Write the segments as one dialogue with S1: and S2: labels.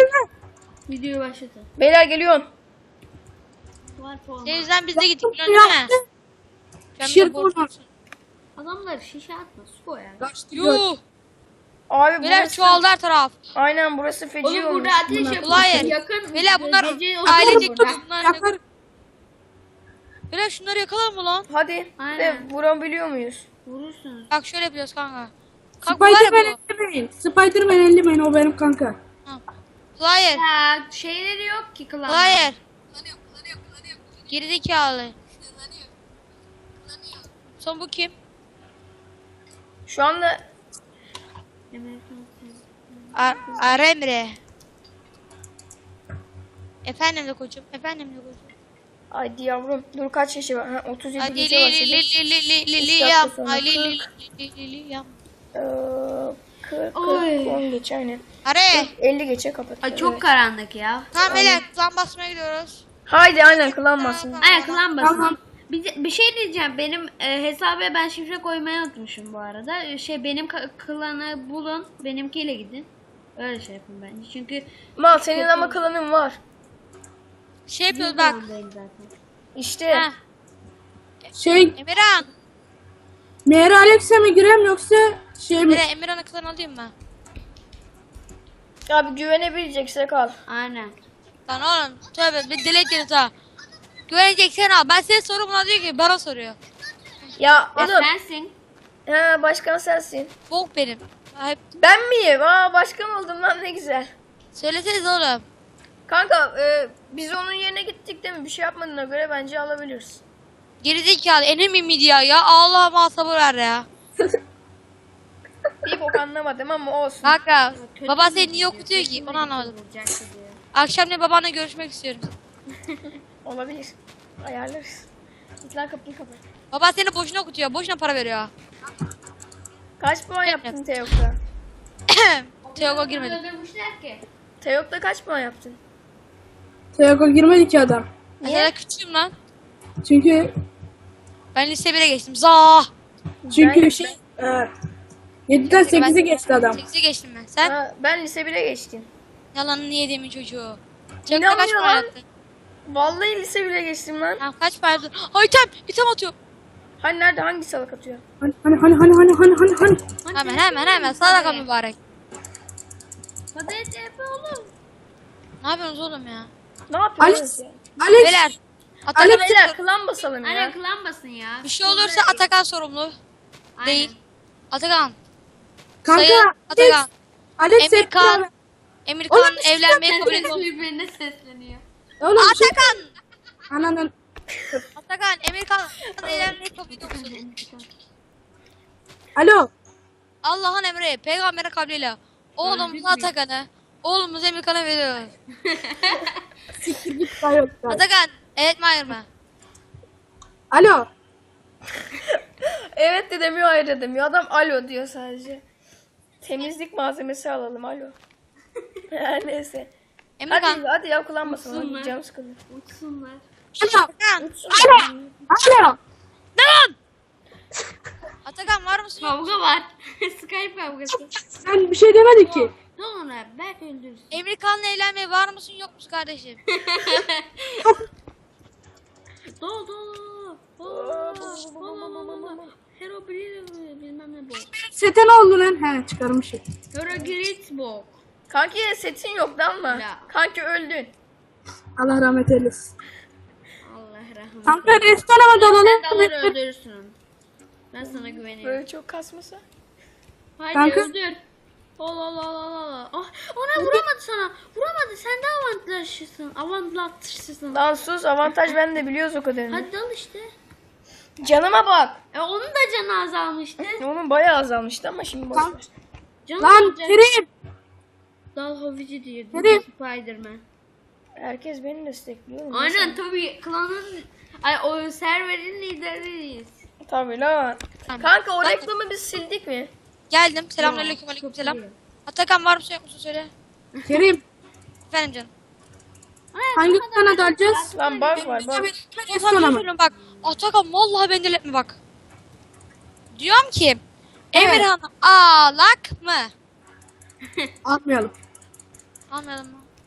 S1: gelme.
S2: Videoyu başlatın.
S3: Beyler geliyorum.
S2: Var forma.
S4: Senin yüzden biz de gittik biliyorsun değil mi? Sen
S1: Şirk
S4: bize borç-
S1: olmaz.
S2: Adamlar şişe atma. Su koy yani.
S1: Kaçtı gör.
S4: Yuh.
S3: Abi
S4: Beyler
S3: burası...
S4: çoğaldı her taraf.
S3: Aynen burası feci
S2: Oğlum
S3: olmuş.
S2: burada ateş yapıyorsun.
S4: Hayır.
S2: Yakın.
S4: Beyler bunlar
S2: gece
S4: ailecek
S2: oturun burada.
S4: bunlar.
S1: Yakar.
S4: Beyler şunları yakalım mı lan?
S3: Hadi.
S2: Aynen.
S3: De vurabiliyor muyuz?
S2: Vurursunuz.
S4: Bak şöyle yapıyoruz kanka. Kanka bu var ya
S1: Spiderman
S4: bu.
S1: ellemeyin. Spiderman ellemeyin, o benim kanka.
S4: Hayır.
S2: Ya şeyleri yok ki klan.
S4: Hayır. Gerizekalı. Son bu kim?
S3: Şu anda
S4: Aremre. Efendim de koçum. Efendim de koçum.
S3: Ay yavrum dur kaç yaşı var? Ha, 37
S4: Hadi
S3: gece
S4: li li
S3: başladı.
S4: li li li li li
S3: Üç dakika
S4: yam.
S3: sonra
S4: Ay li li
S3: 40.
S4: li yam.
S3: 40,
S2: Oy.
S3: 10 geç aynen.
S4: Are.
S3: 50 geçe kapat.
S2: Ay çok
S3: Evet.
S2: karanlık ya.
S4: Tamam beyler klan basmaya gidiyoruz.
S3: Haydi aynen kılanmasın.
S2: Aynen klan basın.
S1: Tamam.
S2: Bir şey diyeceğim. Benim hesaba ben şifre koymayı unutmuşum bu arada. Benim klanı bulun. Benimkiyle gidin. Öyle şey yapın bence. Çünkü
S3: Mal senin ama klanın var.
S4: Şey yapıyoruz
S2: bir
S4: bak.
S2: klandayım zaten.
S3: İşte.
S4: Heh.
S1: Şey,
S4: Emirhan.
S1: Meğer Alex'e mi girem yoksa şey mi?
S4: Beyler Emirhan'ı klan alayım mı?
S3: Abi güvenebileceksek al.
S2: Aynen.
S4: Lan oğlum tövbe bir deli ederiz ha. Güveneceksen al. Ben senin sorum buna diyor ki bana soruyor.
S3: Ya
S2: Ya
S3: oğlum.
S2: sensin.
S3: Ha başkan sensin.
S4: Bok benim. Hep
S3: Ben miyim? Aa başkan oldum lan ne güzel.
S4: söyleseniz oğlum.
S3: Kanka biz onun yerine gittik değil mi? Bir şey yapmadığına göre bence alabiliriz.
S4: Gerizekalı enemy media ya. Allah'ıma sabır ver ya.
S3: Bir bok anlamadım ama olsun.
S4: Kanka
S2: Kötü
S4: baba
S2: mü
S4: seni niye
S2: gidiyor?
S4: okutuyor
S2: Kötü
S4: ki?
S2: mü
S4: Onu anlamadım.
S2: gidiyor? Diyor.
S4: Akşam ne babanla görüşmek istiyorum.
S3: Olabilir. Ayarlarız. Git lan kapıyı kapat.
S4: Baba seni boşuna okutuyor. Boşuna para veriyor.
S3: Kaç puan yaptın Teok'ta?
S4: Teogo girmedi.
S2: Öldürmüşler ki.
S3: Teok'ta kaç puan yaptın?
S1: Teoko girmedi ki adam.
S4: Niye? Küçüğüm lan.
S1: Çünkü
S4: Ben lise 1'e geçtim. Zah.
S1: çünkü şey 7'den 8'e geçti adam.
S4: 8'e geçtim ben. Sen?
S3: Ha, ben lise 1'e geçtim.
S4: Yalanını yediğimin çocuğu. Çakta
S3: İnanmıyor
S4: kaç para
S3: lan.
S4: yaptın?
S3: Vallahi lise 1'e geçtim lan.
S4: Tamam kaç para yaptın? Ay item atıyor.
S3: Hani nerede hangi salak atıyor?
S1: Hani.
S4: Hemen sadaka mübarek.
S2: Hadi TP oğlum.
S4: Ne yapıyorsunuz oğlum ya?
S3: Ne yapıyoruz
S1: Alex.
S3: ya?
S1: Alex.
S4: Beyler. Atakan,
S1: Alex-
S3: Beyler klan basalım ya.
S2: Aynen klan basın ya.
S4: bir şey olursa Atakan sorumlu.
S2: Aynen.
S4: Değil. Atakan.
S1: Kanka.
S4: Sayın Atakan.
S1: Alex hep
S4: Emirkan. Emirkan
S1: Oğlum,
S4: evlenmeye kabul
S2: Herkes
S4: ediyor.
S2: birbirine sesleniyor.
S1: Oğlum şey.
S4: Atakan.
S1: Ananın.
S4: Atakan. Emirkan evlenmeyi kabul ediyor musun?
S1: Alo.
S4: Allah'ın emri. Peygamberin kabliyle. Oğlumuz Atakan'ı. Oğlumuz Emirkan'a veriyoruz.
S1: Siktir git kayol.
S4: Atakan. Evet mi hayır mı?
S1: Alo.
S3: Evet de demiyor hayır de demiyor. Adam alo diyor sadece. Temizlik malzemesi alalım alo. Her neyse.
S4: Emirkan.
S3: Hadi ya kullanmasın. Hadi
S2: Uçsunlar.
S3: canım sıkıldı.
S2: Uçsunlar.
S1: Alo.
S4: Atakan.
S1: Alo.
S4: Atakan var mısın? Yok.
S2: Kavga var. Skype kavgası.
S1: Sen bir şey demedin ki.
S2: Ne olur abi belki öldürürsün.
S4: Emirkan'la evlenmeye var mısın yok musun kardeşim?
S2: Dol dol. Hero bilmem ne bu.
S1: Sete ne oldu lan? He çıkarmışım.
S2: Hero Gritzbok.
S3: Kanki setin yok lan mı?
S2: Ya.
S3: Kanki öldün.
S1: Allah rahmet eylesin.
S2: Allah rahmet.
S1: Kanka restorana
S2: Sen de alır
S1: dalalım.
S2: öldürürsün. Ben sana güveniyorum.
S3: Böyle çok kasmasa.
S2: Haydi
S1: Kanka.
S2: öldür. Allah. Ah, ona vuramadı sana. Vuramadı. Sen de avantajlısın. Avantajlısın.
S3: Lan sus avantaj ben de biliyoruz o kadarını.
S2: Hadi dal işte.
S3: Canıma bak.
S2: Onun da canı azalmıştı.
S3: Onun bayağı azalmıştı ama şimdi boş ver.
S2: Canı
S1: Lan
S2: azalacak.
S1: Kerim.
S2: Dal Hovici diyor.
S1: Nereye?
S2: Spiderman.
S3: Herkes beni destekliyor. oğlum.
S2: Aynen tabii klanın o serverin lideriyiz.
S3: Tabii lan.
S4: Tamam.
S3: Kanka o reklamı biz sildik mi?
S4: Geldim. Selamünaleyküm aleykümselam. Atakan var mısın yok musun söyle.
S1: Kerim.
S4: Efendim canım.
S1: Hangi kana dalacağız?
S3: Lan bak var bak.
S1: Restorana mı?
S4: Söylüyorum bak. Atakan vallahi beni delirtme bak. Diyorum ki Emirhan ağlak mı?
S1: Almayalım.
S4: Anladım mı?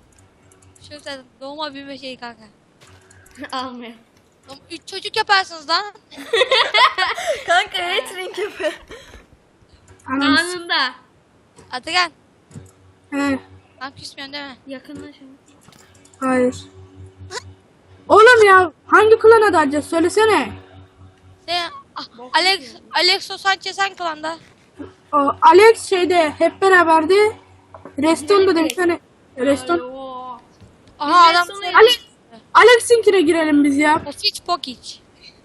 S4: Şu sen doğma büyüme şeyi kanka.
S2: Almıyor.
S4: 3 çocuk yaparsınız lan.
S3: Kanka hatering yapıyor.
S1: Anam.
S2: Anında.
S4: Atakan.
S1: He,
S4: Lan küsmüyorsun değil mi?
S2: Yakınlaşın.
S1: hayır. Oğlum ya hangi klana dalacağız söylesene.
S4: Sen Alexo Sanchez hangi klanda?
S1: O, Alex şeyde hep beraberdi. Reston'da da bir tane. Reston.
S2: Alo.
S4: Aha adam.
S1: Alex'inkine girelim biz ya.
S4: Pokic.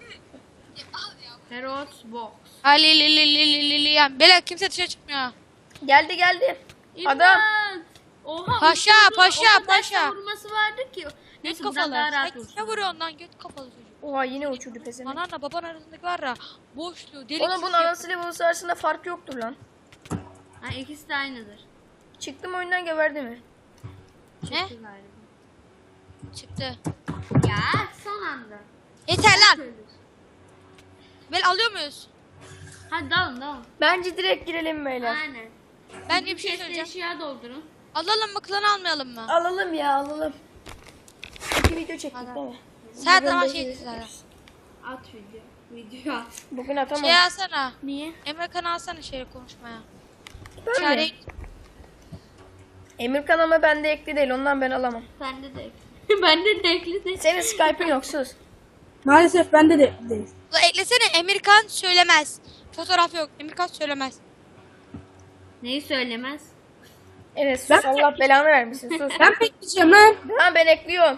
S2: Heroes box.
S4: Yani beyler kimse dışarı çıkmıyor.
S3: Geldi.
S2: İmdat.
S3: Adam.
S2: Oha.
S4: Paşa,
S2: uçurdu.
S4: paşa,
S2: O kadar
S4: paşa.
S2: vurması vardı ki.
S4: Göt
S2: Neyse buradan
S4: kafalı.
S2: daha
S4: Sen
S2: rahat
S4: ne
S2: vursun.
S4: vuruyorsun lan göt kafalı çocuk.
S3: Oha yine uçurdu pesene.
S4: Ananla baban arasındaki var ya boşluğu delik.
S3: Oğlum bunun anasıyla babası arasında fark yoktur lan.
S2: Ha, ikisi de aynıdır.
S3: Çıktım oyundan geberdi mi?
S4: Ne?
S2: Çıktı galiba.
S4: Çıktı.
S2: Ya son anda.
S4: Yeter lan. Bel alıyor muyuz?
S2: Hadi dalın.
S3: Bence direkt girelim beyler.
S2: Aynen.
S4: Ben bir şey
S2: Chest'e
S4: söyleyeceğim.
S2: eşya doldurun.
S4: Alalım mı klan almayalım mı?
S3: Alalım ya alalım. 2 video çektik değil mi?
S4: Sen ama şey dedi zaten.
S2: At video at.
S3: Bugün atamam.
S4: Şey alsana.
S2: Niye?
S4: Emre Kan alsana şeyle konuşmaya.
S3: Ben
S4: Çare
S3: mi? Emirkan ama bende ekli değil ondan ben alamam.
S2: Bende de ekli. Bende de ekli de.
S3: Senin Skype'ın yok sus.
S1: Maalesef bende de değil.
S4: Ulan eklesene Emirkan söylemez. Fotoğraf yok. Emirkan söylemez.
S2: Neyi söylemez?
S3: Evet sus
S1: Ben-
S3: Allah belanı vermesin sus.
S1: Ben bekleyeceğim lan.
S3: Tamam ben ekliyorum.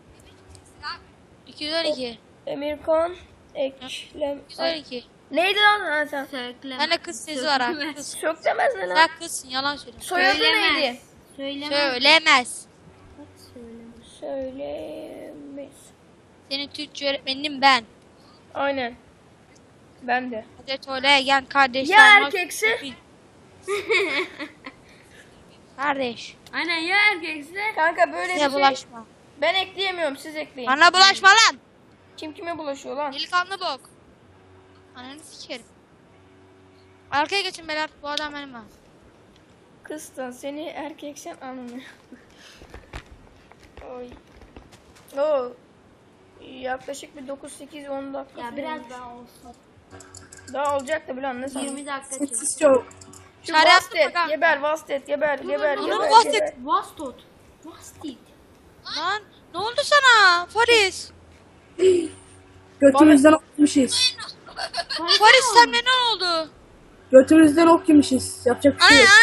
S4: 212.
S3: Emirkan eklem.
S4: 212.
S3: Neydi lan ha sen?
S2: Söyleme.
S4: Bende kız sesi var ha.
S2: Söylemez.
S4: Kız.
S3: Çok demez ne lan?
S4: Sen kızsın yalan söyle.
S3: Soyadı neydi?
S2: Söylemez.
S4: Söylemez.
S3: Söylemez.
S4: Senin Türkçe öğretmenim ben.
S3: Aynen. Ben de.
S4: Hazreti Oleyen kardeşler.
S3: Ya
S4: Max
S3: erkekse?
S4: Pupil. Kardeş.
S2: Aynen ya erkekse.
S3: Kanka böyle bir
S4: Size
S3: şey.
S4: bulaşma.
S3: Ben ekleyemiyorum siz ekleyin.
S4: Bana bulaşma lan.
S3: Kim kime bulaşıyor lan?
S4: Delikanlı bok. Ananı sikerim. Arkaya geçin beyler. Bu adam benim ha.
S3: Kızdan seni erkeksen anlamıyor. Oy. Oo. Yaklaşık bir 9-8-10 dakika.
S2: Ya
S3: falan
S2: biraz
S3: olmuş.
S2: daha olsun.
S3: Daha olacak da bilen ne
S2: 20
S3: sanıyorsun?
S2: dakika çek.
S1: Sessiz çok.
S3: Şu
S4: Çare yaptın mı
S3: Vastet
S4: kanka?
S3: geber Vastet geber geber
S4: Onu
S3: geber.
S4: Vastet.
S3: geber.
S2: Vastot. Vastit.
S4: Lan ne oldu sana Faris?
S1: Götümüzden ok yemişiz.
S4: Faris sen ne oldu?
S1: Götümüzden ok yemişiz. Yapacak bir şey yok.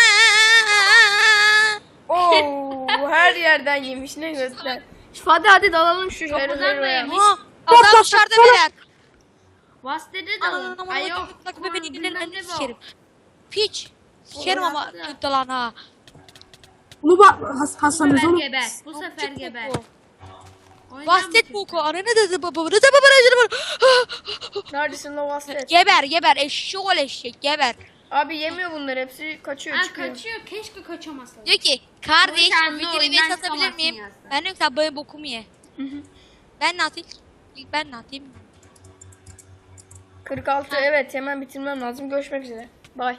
S3: Oo, her yerden yemiş ne göster. Hadi dalalım şu
S2: Kapıdan da
S3: heroya.
S2: yemiş.
S4: Aa, adam dışarıda beyler.
S2: Vastede de alın.
S4: Anam
S2: Ay yok.
S4: bak bebeğin
S2: bilmem
S4: ellerini
S2: ne bu.
S4: sikerim. Piç. Sikerim ama
S2: Orası.
S4: tut lan ha.
S1: Bunu bak
S2: Bu
S1: Hasan'ız
S2: sefer
S1: oğlum.
S2: geber. Bu sefer
S4: Çok
S2: geber.
S4: boku.
S2: Oynar
S4: Vastet
S2: mısın?
S4: boku. Ananı dedi babamı. Dedi babamı.
S3: Neredesin la Vastet?
S4: Geber eşşoğlu eşek geber.
S3: Abi yemiyor bunlar hepsi kaçıyor
S2: Ha,
S3: çıkıyor.
S2: kaçıyor. Keşke kaçamasa.
S4: Diyor ki kardeş
S2: Bu sen
S4: bu
S2: de
S4: videoyu
S2: oyundan
S4: satabilir
S2: çıkamazsın
S4: miyim?
S2: yazdı.
S4: Ben diyorum ki sen böyle bokumu ye. Ben ne atayım? Ben ne atayım?
S3: 46 evet hemen bitirmem lazım. Görüşmek üzere.